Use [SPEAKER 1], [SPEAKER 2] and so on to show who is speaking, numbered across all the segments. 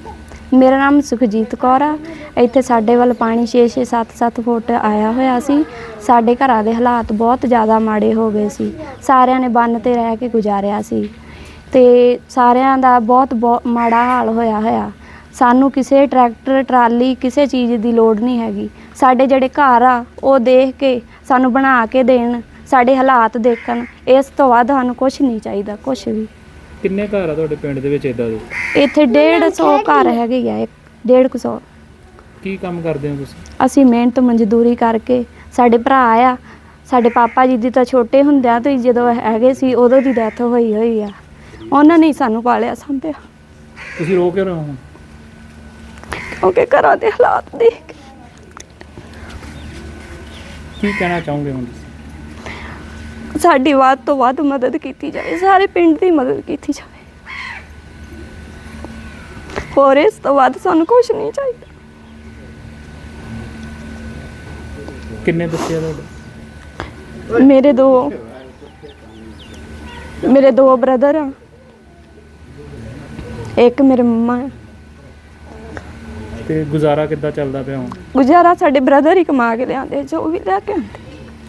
[SPEAKER 1] ਮੇਰਾ ਨਾਮ ਸੁਖਜੀਤ ਕੌਰ ਆ। ਇੱਥੇ ਸਾਡੇ ਵੱਲ ਪਾਣੀ 6-6 7-7 ਫੁੱਟ ਆਇਆ ਹੋਇਆ ਸੀ। ਸਾਡੇ ਘਰਾਂ ਦੇ ਹਾਲਾਤ ਬਹੁਤ ਜ਼ਿਆਦਾ ਮਾੜੇ ਹੋ ਗਏ ਸੀ। ਸਾਰਿਆਂ ਨੇ ਬੰਨ 'ਤੇ ਰਹਿ ਕੇ ਗੁਜ਼ਾਰਿਆ ਸੀ ਅਤੇ ਸਾਰਿਆਂ ਦਾ ਬਹੁਤ ਮਾੜਾ ਹਾਲ ਹੋਇਆ। ਸਾਨੂੰ ਕਿਸੇ ਟਰੈਕਟਰ ਟਰਾਲੀ ਕਿਸੇ ਚੀਜ਼ ਦੀ ਲੋੜ ਨਹੀਂ ਹੈਗੀ। ਸਾਡੇ ਜਿਹੜੇ ਘਰ ਆ ਉਹ ਦੇਖ ਕੇ ਸਾਨੂੰ ਬਣਾ ਕੇ ਦੇਣ, ਸਾਡੇ ਹਾਲਾਤ ਦੇਖਣ, ਇਸ ਤੋਂ ਵੱਧ ਸਾਨੂੰ ਕੁਛ ਨਹੀਂ ਚਾਹੀਦਾ, ਕੁਛ ਵੀ।
[SPEAKER 2] ਕਿੰਨੇ ਘਰ ਆ ਤੁਹਾਡੇ ਪਿੰਡ ਦੇ ਵਿੱਚ ਇੱਦਾਂ ਦੇ?
[SPEAKER 1] ਇੱਥੇ 150 ਘਰ ਹੈਗੇ ਆ, 150।
[SPEAKER 2] ਕੀ ਕੰਮ ਕਰਦੇ ਹੋ ਤੁਸੀਂ?
[SPEAKER 1] ਅਸੀਂ ਮਿਹਨਤ ਮਜ਼ਦੂਰੀ ਕਰਕੇ, ਸਾਡੇ ਭਰਾ ਆ, ਸਾਡੇ ਪਾਪਾ ਜੀ ਦੀ ਤਾਂ ਛੋਟੇ ਹੁੰਦਿਆਂ ਤੋਂ ਹੀ ਜਦੋਂ ਹੈਗੇ ਸੀ ਉਦੋਂ ਦੀ ਡੈਥ ਹੋਈ ਆ। ਉਹਨਾਂ ਨੇ ਹੀ ਸਾਨੂੰ ਪਾਲਿਆ ਸੰਭਿਆ।
[SPEAKER 2] ਤੁਸੀਂ ਰੋ ਕਿਉਂ ਰਹੇ ਹੋ?
[SPEAKER 1] ਕਿਉਂਕਿ ਘਰਾਂ ਦੇ ਹਾਲਾਤ ਦੇਖ ਕੇ।
[SPEAKER 2] ਕੀ ਕਹਿਣਾ ਚਾਹੋਗੇ ਹੁਣ?
[SPEAKER 1] ਸਾਡੀ ਵੱਧ ਤੋਂ ਵੱਧ ਮਦਦ ਕੀਤੀ ਜਾਵੇ, ਸਾਰੇ ਪਿੰਡ ਦੀ ਮਦਦ ਕੀਤੀ ਜਾਵੇ। ਹੋਰ ਇਸ ਤੋਂ ਵੱਧ ਸਾਨੂੰ ਕੁਛ ਨਹੀਂ ਚਾਹੀਦਾ।
[SPEAKER 2] ਕਿੰਨੇ ਬੱਚੇ ਆ ਤੁਹਾਡੇ?
[SPEAKER 1] ਮੇਰੇ ਦੋ ਬ੍ਰਦਰ ਆ, ਇੱਕ ਮੇਰੇ ਮੰਮਾ ਆ।
[SPEAKER 2] ਤੇ ਗੁਜ਼ਾਰਾ ਕਿੱਦਾਂ ਚੱਲਦਾ ਪਿਆ ਹੁਣ?
[SPEAKER 1] ਗੁਜ਼ਾਰਾ ਸਾਡੇ ਬ੍ਰਦਰ ਹੀ ਕਮਾ ਕੇ ਲਿਆਉਂਦੇ, ਜੋ ਵੀ ਲੈ ਕੇ ਆਉਂਦੇ,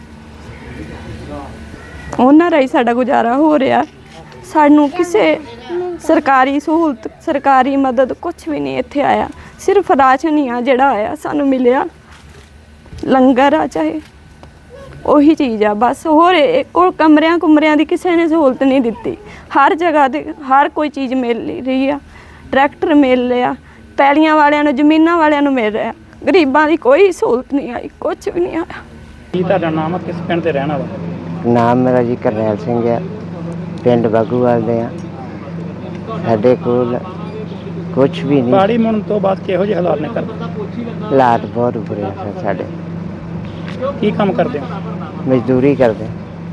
[SPEAKER 1] ਉਹਨਾਂ ਰਾਹੀਂ ਸਾਡਾ ਗੁਜ਼ਾਰਾ ਹੋ ਰਿਹਾ। ਸਾਨੂੰ ਕਿਸੇ ਸਰਕਾਰੀ ਸਹੂਲਤ, ਸਰਕਾਰੀ ਮਦਦ ਕੁਛ ਵੀ ਨਹੀਂ ਇੱਥੇ ਆਇਆ। ਸਿਰਫ ਰਾਸ਼ਨ ਹੀ ਆ ਜਿਹੜਾ ਆਇਆ ਸਾਨੂੰ ਮਿਲਿਆ, ਲੰਗਰ ਆ ਚਾਹੇ ਉਹੀ ਚੀਜ਼ ਆ ਬਸ। ਹੋਰ ਕੋਲ ਕਮਰਿਆਂ ਦੀ ਕਿਸੇ ਨੇ ਸਹੂਲਤ ਨਹੀਂ ਦਿੱਤੀ। ਹਰ ਜਗ੍ਹਾ 'ਤੇ ਹਰ ਕੋਈ ਚੀਜ਼ ਮਿਲ ਰਹੀ ਆ। ਟਰੈਕਟਰ ਮਿਲ ਰਿਹਾ, ਪੈਲੀਆਂ ਵਾਲਿਆਂ ਨੂੰ, ਜ਼ਮੀਨਾਂ ਵਾਲਿਆਂ ਨੂੰ ਮਿਲ ਰਿਹਾ, ਗਰੀਬਾਂ ਦੀ ਕੋਈ ਸਹੂਲਤ ਨਹੀਂ ਆਈ, ਕੁਛ ਵੀ ਨਹੀਂ ਆਇਆ।
[SPEAKER 2] ਕੀ ਤੁਹਾਡਾ ਨਾਮ ਆ? ਕਿਸ ਪਿੰਡ 'ਤੇ ਰਹਿਣ ਵਾਲਾ?
[SPEAKER 3] ਨਾਮ ਮੇਰਾ ਜੀ ਕਰਨੈਲ ਸਿੰਘ ਆ, ਪਿੰਡ ਬਾਗੂਵਾਲ ਦੇ ਆ। ਸਾਡੇ ਕੋਲ ਕੁਛ ਵੀ ਨਹੀਂ।
[SPEAKER 2] ਪਾਣੀ ਮੁੜਨ ਤੋਂ ਬਾਅਦ ਕਿਹੋ ਜਿਹੇ ਹਾਲਾਤ ਨੇ ਕਰਦੇ?
[SPEAKER 3] ਹਾਲਾਤ ਬਹੁਤ ਬੁਰੇ ਆ ਸਰ ਸਾਡੇ।
[SPEAKER 2] ਕੀ ਕੰਮ ਕਰਦੇ ਹੋ?
[SPEAKER 3] ਮਜ਼ਦੂਰੀ ਕਰਦੇ।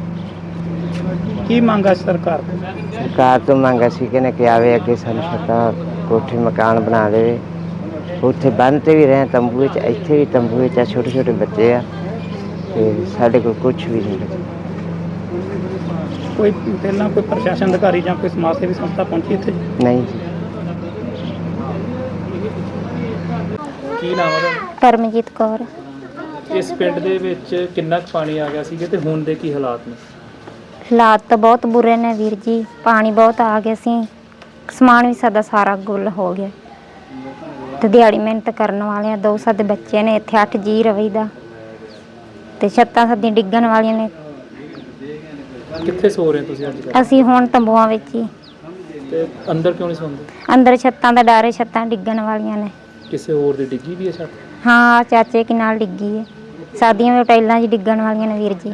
[SPEAKER 2] ਕੀ ਮੰਗ ਆ ਸਰਕਾਰ ਤੋਂ?
[SPEAKER 3] ਸਰਕਾਰ ਤੋਂ ਮੰਗ ਅਸੀਂ ਕਹਿੰਦੇ ਕਿ ਆਵੇ ਅੱਗੇ ਸਾਨੂੰ ਛੱਤਾਂ ਕੋਠੇ ਮਕਾਨ ਬਣਾ ਦੇਵੇ। ਉੱਥੇ ਬੰਨ੍ਹ 'ਤੇ ਵੀ ਰਹੇ ਤੰਬੂ ਵਿੱਚ, ਇੱਥੇ ਵੀ ਤੰਬੂ ਵਿੱਚ ਆ। ਛੋਟੇ ਛੋਟੇ ਬੱਚੇ ਆ ਅਤੇ ਸਾਡੇ ਕੋਲ ਕੁਛ ਵੀ ਨਹੀਂ।
[SPEAKER 2] ਕੋਈ ਪਹਿਲਾਂ ਕੋਈ ਪ੍ਰਸ਼ਾਸਨ ਅਧਿਕਾਰੀ ਜਾਂ ਕੋਈ ਸਮਾਜ ਸੇਵੀ ਸੰਸਥਾ ਪਹੁੰਚੀ ਇੱਥੇ?
[SPEAKER 3] ਨਹੀਂ ਜੀ।
[SPEAKER 2] ਕੀ ਨਾਮ ਹੈ ਤੁਹਾਡਾ?
[SPEAKER 4] ਪਰਮਜੀਤ ਕੌਰ।
[SPEAKER 2] ਇਸ ਪਿੰਡ ਦੇ ਵਿੱਚ ਕਿੰਨਾ ਕੁ ਪਾਣੀ ਆ ਗਿਆ ਸੀਗਾ ਤੇ ਹੁਣ ਦੇ ਕੀ ਹਾਲਾਤ ਨੇ?
[SPEAKER 4] ਹਾਲਾਤ ਤਾਂ ਬਹੁਤ ਬੁਰੇ ਨੇ ਵੀਰ ਜੀ, ਪਾਣੀ ਬਹੁਤ ਆ ਗਿਆ ਸੀ। ਸਮਾਨ ਵੀ ਸਾਡਾ ਸਾਰਾ ਗੁੱਲ ਹੋ ਗਿਆ ਤੇ ਦਿਹਾੜੀ ਮਿਹਨਤ ਕਰਨ ਵਾਲਿਆਂ 2 ਸਾਡੇ ਬੱਚੇ ਨੇ, ਇੱਥੇ 8 ਜੀ ਰਵੀਦਾ ਤੇ ਛੱਤਾਂ ਸਾਡੀਆਂ ਡਿੱਗਣ ਵਾਲੀਆਂ ਨੇ।
[SPEAKER 2] ਕਿੱਥੇ ਸੋ ਰਹੇ ਤੁਸੀਂ ਅੱਜ ਕੱਲ੍ਹ?
[SPEAKER 4] ਅਸੀਂ ਹੁਣ ਤੰਬੂਆਂ ਵਿੱਚ ਹੀ।
[SPEAKER 2] ਤੇ ਅੰਦਰ ਕਿਉਂ ਨਹੀਂ ਸੌਂਦੇ?
[SPEAKER 4] ਅੰਦਰ ਛੱਤਾਂ ਦਾ ਡਰ ਹੈ, ਛੱਤਾਂ ਡਿੱਗਣ ਵਾਲੀਆਂ ਨੇ।
[SPEAKER 2] ਕਿਸੇ ਹੋਰ ਦੀ ਡਿੱਗੀ ਵੀ ਹੈ ਛੱਤ?
[SPEAKER 4] ਹਾਂ, ਚਾਚੇ ਕੀ ਨਾਲ ਡਿੱਗੀ ਹੈ। ਸਾਡੀਆਂ ਵੀ ਟਾਈਲਾਂ 'ਚ ਡਿੱਗਣ ਵਾਲੀਆਂ ਨੇ ਵੀਰ ਜੀ।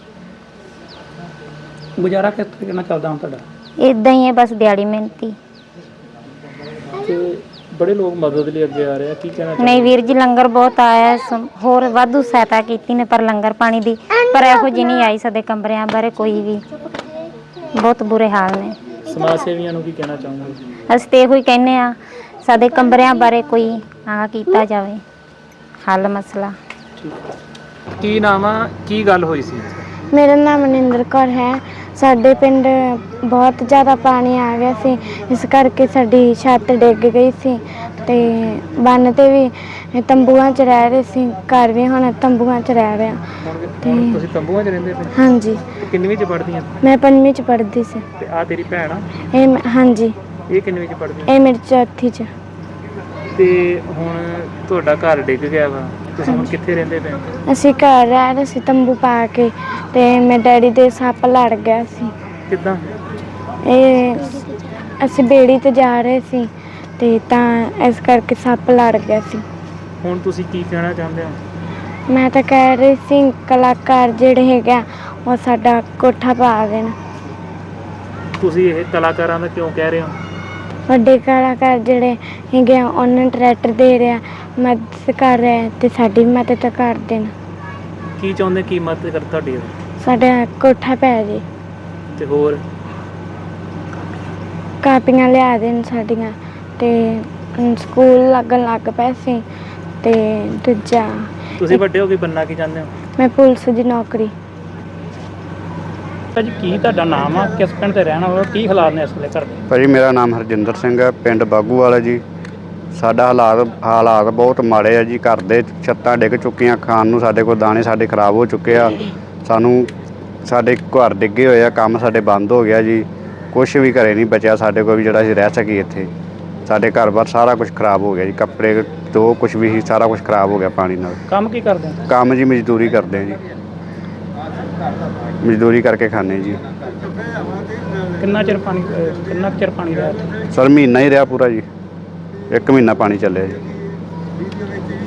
[SPEAKER 2] ਗੁਜ਼ਾਰਾ ਕਿਸ ਤਰੀਕੇ ਨਾਲ ਚੱਲਦਾ ਹੁਣ ਤੁਹਾਡਾ?
[SPEAKER 4] ਇੱਦਾਂ ਹੀ ਹੈ ਬਸ, ਦਿਹਾੜੀ ਮਿਹਨਤੀ।
[SPEAKER 2] ਤੇ ਬੜੇ ਲੋਕ ਮਦਦ ਲਈ ਅੱਗੇ ਆ ਰਹੇ ਆ, ਕੀ ਕਹਿਣਾ ਚਾਹੁੰਦੇ?
[SPEAKER 4] ਨਹੀਂ ਵੀਰ ਜੀ, ਲੰਗਰ ਬਹੁਤ ਆਇਆ, ਹੋਰ ਵਾਧੂ ਸਹਾਇਤਾ ਕੀਤੀ ਨੇ, ਪਰ ਲੰਗਰ ਪਾਣੀ ਦੀ ਪਰ ਇਹੋ ਜਿਹੀ ਨਹੀਂ ਆਈ। ਸਾਡੇ ਕਮਰਿਆਂ ਬਾਰੇ ਕੋਈ ਵੀ ਬਹੁਤ ਬੁਰੇ ਹਾਲ ਨੇ।
[SPEAKER 2] ਸਮਾਜ ਸੇਵੀਆਂ ਨੂੰ ਕੀ ਕਹਿਣਾ ਚਾਹੁੰਦੇ?
[SPEAKER 4] ਅਸੀਂ ਤੇ ਇਹੋ ਹੀ ਕਹਿੰਦੇ ਆ, ਸਾਡੇ ਕਮਰਿਆਂ ਬਾਰੇ ਕੋਈ ਆ ਕੀਤਾ ਜਾਵੇ ਹੱਲ ਮਸਲਾ।
[SPEAKER 2] ਕੀ ਨਾਮ ਆ? ਕੀ ਗੱਲ ਹੋਈ ਸੀ?
[SPEAKER 5] ਮੇਰਾ ਨਾਮ ਮਨਿੰਦਰ ਕੌਰ ਹੈ। ਸਾਡੇ ਪਿੰਡ ਬਹੁਤ ਜ਼ਿਆਦਾ ਪਾਣੀ ਆ ਗਿਆ ਸੀ, ਇਸ ਕਰਕੇ ਸਾਡੀ ਛੱਤ ਡਿੱਗ ਗਈ ਸੀ ਅਤੇ ਬੰਨ 'ਤੇ ਵੀ ਤੰਬੂਆਂ 'ਚ ਰਹਿ ਰਹੇ ਸੀ। ਘਰ ਵੀ ਹੁਣ ਤੰਬੂਆਂ 'ਚ ਰਹਿ ਰਿਹਾ।
[SPEAKER 2] ਹੁਣ ਤੁਸੀਂ ਤੰਬੂਆਂ 'ਚ ਰਹਿੰਦੇ ਪਏ?
[SPEAKER 5] ਹਾਂਜੀ।
[SPEAKER 2] ਕਿੰਨਵੀਂ 'ਚ ਪੜ੍ਹਦੀਆਂ?
[SPEAKER 5] ਮੈਂ 5ਵੀਂ 'ਚ ਪੜ੍ਹਦੀ ਸੀ।
[SPEAKER 2] ਤੇ ਆ ਤੇਰੀ ਭੈਣ ਆ?
[SPEAKER 5] ਹਾਂਜੀ।
[SPEAKER 2] ਇਹ ਕਿੰਨਵੀਂ 'ਚ ਪੜ੍ਹਦੀ?
[SPEAKER 5] ਇਹ ਮੇਰੀ ਚੌਥੀ 'ਚ।
[SPEAKER 2] ਤੇ ਹੁਣ ਤੁਹਾਡਾ ਘਰ ਡਿੱਗ ਗਿਆ ਵਾ, ਤੁਸੀਂ ਹੁਣ ਕਿੱਥੇ ਰਹਿੰਦੇ ਪਏ?
[SPEAKER 5] ਅਸੀਂ ਘਰ ਰਹਿ ਰਹੇ ਸੀ ਤੰਬੂ ਪਾ ਕੇ, ਅਤੇ ਮੇਰੇ ਡੈਡੀ ਦੇ ਸੱਪ ਲੜ ਗਿਆ ਸੀ।
[SPEAKER 2] ਕਿੱਦਾਂ?
[SPEAKER 5] ਇਹ ਅਸੀਂ ਬੇੜੀ 'ਤੇ ਜਾ ਰਹੇ ਸੀ ਅਤੇ ਤਾਂ ਇਸ ਕਰਕੇ ਸੱਪ ਲੜ ਗਿਆ ਸੀ।
[SPEAKER 2] ਹੁਣ ਤੁਸੀਂ ਕੀ ਕਹਿਣਾ ਚਾਹੁੰਦੇ ਹੋ?
[SPEAKER 5] ਮੈਂ ਤਾਂ ਕਹਿ ਰਹੀ ਸੀ ਕਲਾਕਾਰ ਜਿਹੜੇ ਹੈਗੇ ਆ ਉਹ ਸਾਡਾ ਕੋਠਾ ਪਾ ਦੇਣ।
[SPEAKER 2] ਤੁਸੀਂ ਇਹ ਕਲਾਕਾਰਾਂ ਦਾ ਕਿਉਂ ਕਹਿ ਰਹੇ ਹੋ?
[SPEAKER 5] ਵੱਡੇ ਕਲਾਕਾਰ ਜਿਹੜੇ ਹੈਗੇ ਆ ਉਹਨਾਂ ਨੂੰ ਟਰੈਕਟਰ ਦੇ ਰਿਹਾ, ਮਦਦ ਕਰ ਰਿਹਾ, ਅਤੇ ਸਾਡੀ ਵੀ ਮਦਦ ਕਰ ਦੇਣ।
[SPEAKER 2] ਕੀ ਚਾਹੁੰਦੇ? ਕੀ ਮਦਦ ਕਰ ਤੁਹਾਡੀ?
[SPEAKER 5] ਸਾਡਾ ਕੋਠਾ ਪੈ ਜੇ
[SPEAKER 2] ਤੇ ਹੋਰ
[SPEAKER 5] ਕਾਪੀਆਂ ਲਿਆ ਦੇਣ ਸਾਡੀਆਂ, ਅਤੇ ਸਕੂਲ ਲੱਗਣ ਲੱਗ ਪਏ ਸੀ। ਅਤੇ ਦੂਜਾ
[SPEAKER 2] ਤੁਸੀਂ ਵੱਡੇ ਹੋ ਕੇ ਬਣਨਾ ਕੀ ਚਾਹੁੰਦੇ ਹੋ?
[SPEAKER 5] ਮੈਂ ਪੁਲਿਸ ਦੀ ਨੌਕਰੀ।
[SPEAKER 2] ਭਾਜੀ ਕੀ ਤੁਹਾਡਾ ਨਾਮ ਆ? ਕਿਸ ਪਿੰਡ 'ਤੇ ਰਹਿਣ ਵਾਲਾ? ਕੀ ਹਾਲਾਤ ਨੇ ਇਸ ਵੇਲੇ ਘਰ ਦੇ?
[SPEAKER 6] ਭਾਜੀ ਮੇਰਾ ਨਾਮ ਹਰਜਿੰਦਰ ਸਿੰਘ ਹੈ, ਪਿੰਡ ਬਾਗੂਵਾਲ ਹੈ ਜੀ। ਸਾਡਾ ਹਾਲਾਤ ਬਹੁਤ ਮਾੜੇ ਆ ਜੀ। ਘਰ ਦੇ ਛੱਤਾਂ ਡਿੱਗ ਚੁੱਕੀਆਂ, ਖਾਣ ਨੂੰ ਸਾਡੇ ਕੋਲ ਦਾਣੇ ਸਾਡੇ ਖਰਾਬ ਹੋ ਚੁੱਕੇ ਆ। ਸਾਨੂੰ ਸਾਡੇ ਘਰ ਡਿੱਗੇ ਹੋਏ ਆ, ਕੰਮ ਸਾਡੇ ਬੰਦ ਹੋ ਗਿਆ ਜੀ। ਕੁਛ ਵੀ ਘਰੇ ਨਹੀਂ ਬਚਿਆ ਸਾਡੇ ਕੋਲ ਵੀ ਜਿਹੜਾ ਅਸੀਂ ਰਹਿ ਸਕੀਏ ਇੱਥੇ। ਸਾਡੇ ਘਰ-ਬਾਰ ਸਾਰਾ ਕੁਝ ਖਰਾਬ ਹੋ ਗਿਆ ਜੀ। ਕੱਪੜੇ ਜੋ ਕੁਝ ਵੀ ਸੀ ਸਾਰਾ ਕੁਝ ਖਰਾਬ ਹੋ ਗਿਆ ਪਾਣੀ ਨਾਲ।
[SPEAKER 2] ਕੰਮ ਕੀ ਕਰਦੇ ਹੋ?
[SPEAKER 6] ਕੰਮ ਜੀ ਮਜ਼ਦੂਰੀ ਕਰਦੇ ਆ ਜੀ, ਮਜ਼ਦੂਰੀ ਕਰਕੇ ਖਾਂਦੇ ਜੀ।
[SPEAKER 2] ਕਿੰਨਾ ਚਿਰ ਪਾਣੀ ਰਿਹਾ ਇੱਥੇ?
[SPEAKER 6] ਸਰ ਮਹੀਨਾ ਹੀ ਰਿਹਾ ਪੂਰਾ ਜੀ, 1 ਮਹੀਨਾ ਪਾਣੀ ਚੱਲਿਆ ਜੀ।